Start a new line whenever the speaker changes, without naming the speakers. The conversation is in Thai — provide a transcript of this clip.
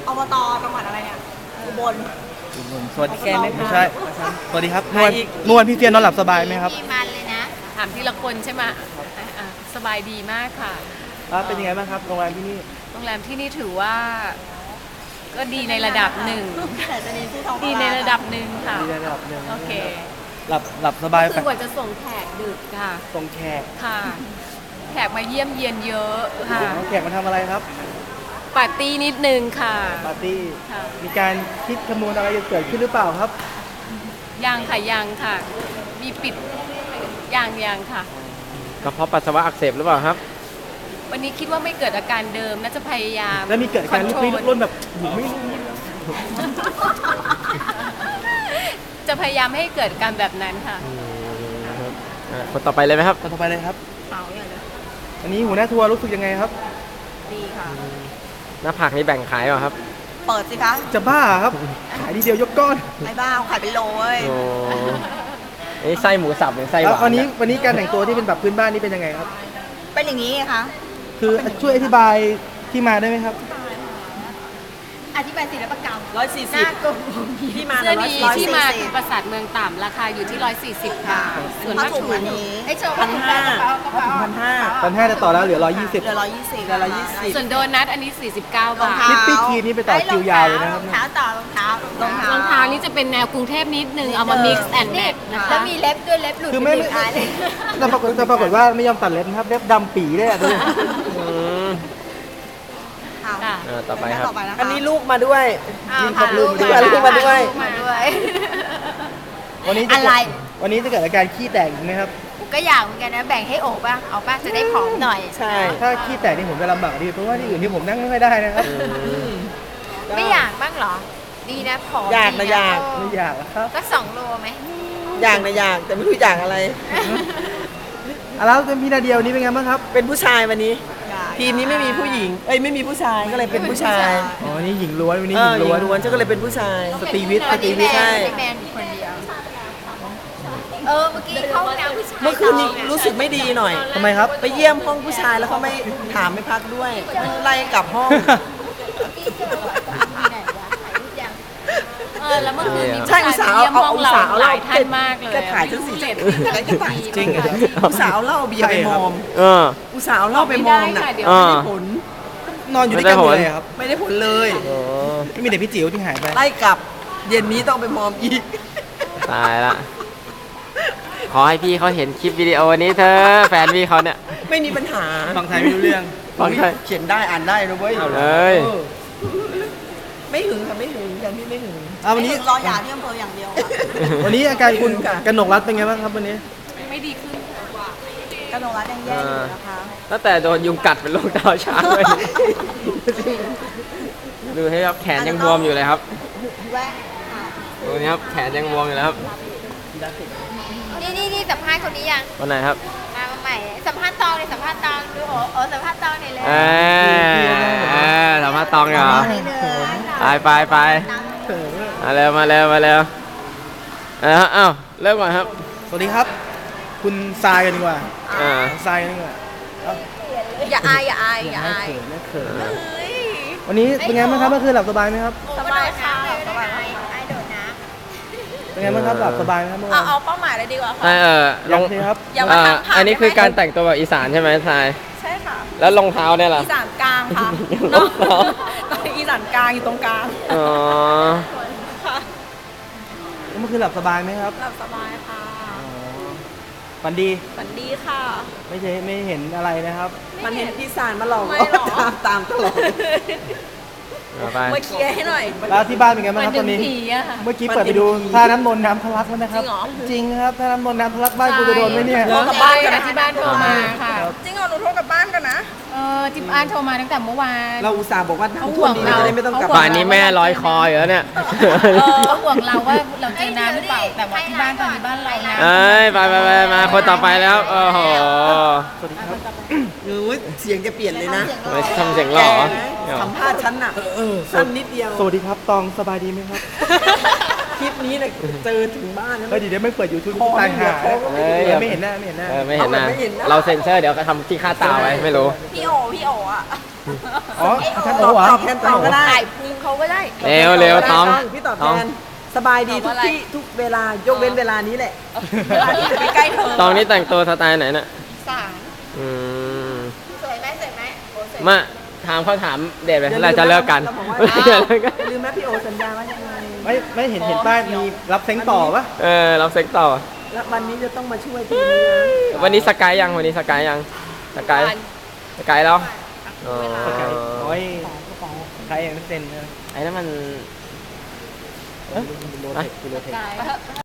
อบตจังหวัดอะไรเนี่ยอุบล
สวัสดี
แกไม่
ใช่สวัสดีครับเมื่อวันพี่เฟียนนอนหลับสบายไหมครับ
มีมันเลยนะถามทีละคนใช่ไหมสบายดีมากค่ะ
เป็นยังไงบ้างครับโรงแรมที่นี่
โรงแรมที่นี่ถือว่า ก็ดีในระดับหนึ่ง
แต่จะมีที่ท้อง
ดีในระดับหนึ่งค่ะ
ดีในระดับหนึ่ง
โอเค
หลับสบาย
คือกว่าจะส่งแขกดึกค่ะ
ตรงแขก
ค่ะ แขกมาเยี่ยมเยียนเยอะค่ะ
แขกมาทำอะไรครับ
ปาร์ตี้นิดนึงค่ะ
ปาร์ตี้
ค่ะ
มีการคิดคำนวณอะไรจะเกิดขึ้นหรือเปล่าครับ
ยังค่ะยังค่ะ มีปิดยังค่ะ
กระเพาะปัสสาวะอักเสบหรือเปล่าครับ
วันนี้คิดว่าไม่เกิดอาการเดิมน่าจะพยายาม
แล้วมีเกิดการลุกลี้ลุกลนแบบหูไม่รู้
จะพยายามให้เกิดการแบบนั้นค่ะ
คนต่อไปเลยไหมครับ
ต่อไปเลยครับ
เอาอย่างเลย
อันนี้หัวหน้าทัวร์รู้สึกยังไงครับ
ดีค่ะ
หน้าผักนี่แบ่งขายเปล่าครับ
เปิดสิคะ
จะบ้าครับ ขายทีเดียวยกก้อน
ไอ้บ้าเอาขายเป็นโลเว้ย
โอ้นี่ไส้หมูสับหรือไส้ห
แล้ว
วาน
วันนี้การแต่งตัวที่เป็นแบบพื้นบ้านนี่เป็นยังไงครับ
เป็นอย่างนี้ไงคะ
คือช่วยอธิบายที่มาได้ไหมครับ
อธิบายศิลปกรรม
หน้า
140ที่มา
เสื้อดีที่มา
140
คือปราสาทเมืองต่ำราคาอยู่ที่ 140 บาท ส่วน
ผ้าม
าก
ถุงอันนี้
ไอ้โชว์ผ้าถุงแบบกระเป๋ากระเป๋า
1,500จะต่อแล้วเหลือ 120
เหลือ120
ส่วนโดนัทอันนี้ 49 บาท
ลิปปี้คีนี่ไปต่อคิวยาวเลยนะครับ
รองเท้าต่อรองเท้าร
องเท้านี่จะเป็นแนวกรุงเทพนิดนึง เอามา mix and match นะคะ
แล้วมีเล็บด้วยเล็บหลุด
คือไม่
เป็นท้ายเลย
แต่ปรากฏว่าไม่ยอมตัดเล็บนะครับเล็บดำปีเลยอ่ะดูดิ
อืม
ค่ะ
ต่อไปครับ
อันนี้ลูกมาด้วย
พาลูก
พาลูกมาด้วย
มาด้วย
วันนี้จะ
อะไร
วันนี้จะเกิดอาการขี้แตกอีกไหมครับ
ก็อยากเหมือนกันนะ แบ่งให้โอบป่ะ เอาป่ะ จะได้ผอมหน่อย
ใช่
ถ้าขี้แตกนี่ผมจะลำบากดีเพราะว่าที่อื่นที่ผมนั่งไม่ค่อยได้นะครับ
ไม่อยากบ้างเหรอ ดีนะผอม
อยากนะ
ดี
อยาก
ไม่อยากอะครับ
ก็2 โลไหม
อย่างนะอย่างแต่ไม่รู้อย่างอะไร
แล้วเป็นพี่นาเดียวนี้เป็นไงบ้างครับ
เป็นผู้ชายวันนี้ ทีมนี้ไม่มีผู้หญิง เอ้ยไม่มีผู้ชายก็เลยเป็นผู้ชาย
อ๋อวันนี้หญิงล้วนวันนี้
เอ
หญิ
อง หญิ
ล้วน
งล้วนฉันก็เลยเป็นผู้ชาย
สตรีวิทย์
วันนี้
สตรีวิทย์
แมน
ใช่
แมนอยู่คนเดียว เมื่อกี้เข้าห้องน้ำผู้ชาย
เมื่อคืนนี้รู้สึกไม่ดีหน่อย
ทำไมครับ
ไปเยี่ยมห้องผู้ชายแล้วเขาไม่ถามไม่พักด้วย ไล่กลับห้อง
แล้วเมื่อคืนมี
ใช่อุตส่าห์
เยี่ยม
เอา
ห้อง
อุต
เรา
ส่าห์เอา
ห
เหล้า
ลายท่านมากเลย
แกถ่ายฉันสิ
เจ็ด
จริงเหรอ
อุตส่าห์เอาเหล้าเบียร์ไปมอม
เออ
อุตส่าห์เอาเหล้าไปมอมน่ะ
ไม่ได้ค่ะเดี๋ยว
อ่า
ไม่ได้ผล
นอนอยู่ด้วยกันหมดเลยครับ
ไม่ได้ผลเลย
โอ้
ไม่มีแต่พี่จิ๋วที่หายไป
ไล่กลับ เย็นนี้ต้องไปมอมอีก
ตายละ ขอให้พี่เขาเห็นคลิปวิดีโอนี้เธอแฟนพี่เขาเนี่ย
ไม่มีปัญหา
ฟังไทยไม่รู้เรื่อง
ฟังไทย
เขียนได้อ่านได้นะเว้ย
เอาเลย
ออไม่หึงค่ะไม่หึงอย่างที่ไม่หึง
วันนี้
รอหย่าที่อำเภออย่างเดียวค่ะ
วันนี้อาการคุณ
ค่ะ
กนกรัตน์เป็นไงบ้างครับวันนี้
ไม่ดีขึ้น
กระโดดรัดยังแย่อยู่นะคะ
ตั้งแต่โดนยุงกัดเป็นโรคดาวช้างเลยดูให้ครับแขนยังบวมอยู่เลยครับ
แวะ
ดูนี่ครับแขนยังบวมอยู่เลยครับ
นี่สัมภาษณ์คนนี้ยัง
วันไหนครับ
มาใหม่ สัมภาษณ์ตองเลยสัมภาษณ์ตองดูโอ้สัมภาษณ์ตองหน่อยเลย
เอสัมภาษณ์ตองเหรอไปมาเร็วมาเร็วมาเร็วอ้าวเริ่มก่อนครับ
สวัสดีครับ คุณทรายกันดีกว่า
อ่า
ทรายกันดีกว่า
อย่าอายอย่าอายอย่าอาย
ไม่เขินวันนี้เป็นไงบ้างครับเมื่อคืนหลับสบายไหมครับ
สบายค่ะสบาย
ไอ้โดดน้
เป็นไงบ้างครับหลับสบายไหมครับเมื่อวาน
เอาเป้าหมายเลยดีกว่าค่ะ
ลง
ยังสิครับ
อย่ามาทำผ่าน
อันนี้คือ
ได้ไหม
การแต่งตัวแบบอีสานใช่ไหมทราย
ใช่ค่ะ
แล้วรองเท้าเนี่ยล่ะ
อีสานกลางค่ะ
รองเท้า
ตอนนี้อีสานกลางอยู่ตรงกลาง
อ๋อ
ค่ะ
เมื่อคืนหลับสบายไหมครับ
หลับสบายค่ะ
ฝันดี
ฝันดีค่ะ
ไม่เห็นอะไรนะครับ
มันเห็นพี่สารมาหลอก
ไม่หรอ
ตามตลอด
เอาไป
มาเคลียร์ให้หน่อย
แล้วที่บ้านเป็นไง
ำ
บ้าง
มัน
ครับ
ดึ
ตอง นนี้
ผีอะค่ะ
เมื่อกี้เปิดไปดูท่าน้ำนนน้ำทะลักแล้วนะครับ จริงครับท่าน้ำนนน้ำทะลักบ้านกูจะโดนไหมเนี่ย
โทรกลับบ้านกันนะที่บ้านโทรมาค่ะ
จริงเหรอหนูโทรกลับบ้านกันนะ
ที่บ้านโทรมาตั้งแต่เมื่อวาน
เราอุตส่าห์บอกว่า
เขา
น้ำ
ห่
ท่ว
ว
ม
ง
ดี
เรา
จะได้ไม่ต้องกลับ
ป่านนี้แม่ลอยคออยู่แล้วเนี่ย
เขาห่วงเราว่าเราเจอน้ำหรือเปล่า แต่ว่าที่บ้านตอนนี้บ้านเราน้ำ
เอ้ยไปมาคนต่อไปแล้วโอ้โห
สวัสดีครับ
เออเสียงจะเปลี่ยนเลยนะ
ไม่ทำเสียงหล่อ
สัมภาษณ์ฉันน่ะสั้นนิดเดียว
สวัสดีครับตองสบายดีไหมครับ
คลิปนี้เนี่ยเจอถึงบ้านแล้ว
เฮ้ยเดี๋ยวไม่เปิดยูทูบ
คอ
ตาย
ไม่เหลื
หา
อคอก็ไม่เหลือ
ไม่เห็นหน้าไม่เห็นหน้า
ไม่เห็นหน้า
เอาแบบไม่เห็นหน้า
เราเซ็นเซอร์เดี๋ยวก็ทำที่ค่าตาไว้ไม่รู้
พี่โออ่ะ
อ๋อท่านโอเหรอ
ตอบแทนตองก็ได้
ถ่ายพุงเขาก็ได้
เร็วเร็วตอง
พี่ตอบ
ต
แท
อง
นสบายดีทุกที่ทุกเวลายกเว้นเวลานี้แหละ
เวลาที่จะไปใกล้เธอ
ตองนี่แต่งตัวสไตล์ไหนน่ะ
สาม
อืม
สวยไหมสวยไหมโอ้สวย
มาถามเขาถามเดทไปเราจะเลิกกัน
เราบอกว่า
อย่าเลิกกัน
อย่าลืมนะพี่โอสัญญาว่ายังไง
ไม่เห็นป้ายมีรับเซ้งต่อปะ
เราเซ็กต่อ
แล้ววันนี้จะต้องมาช่วยทีมนี้นะ
วันนี้สกายยังวันนี้สกายยังสกายสกายแล้วอ๋อ
โอ้ยใครยังไม่เซ็นเลย
ไอ้นั่นมัน
โรเทค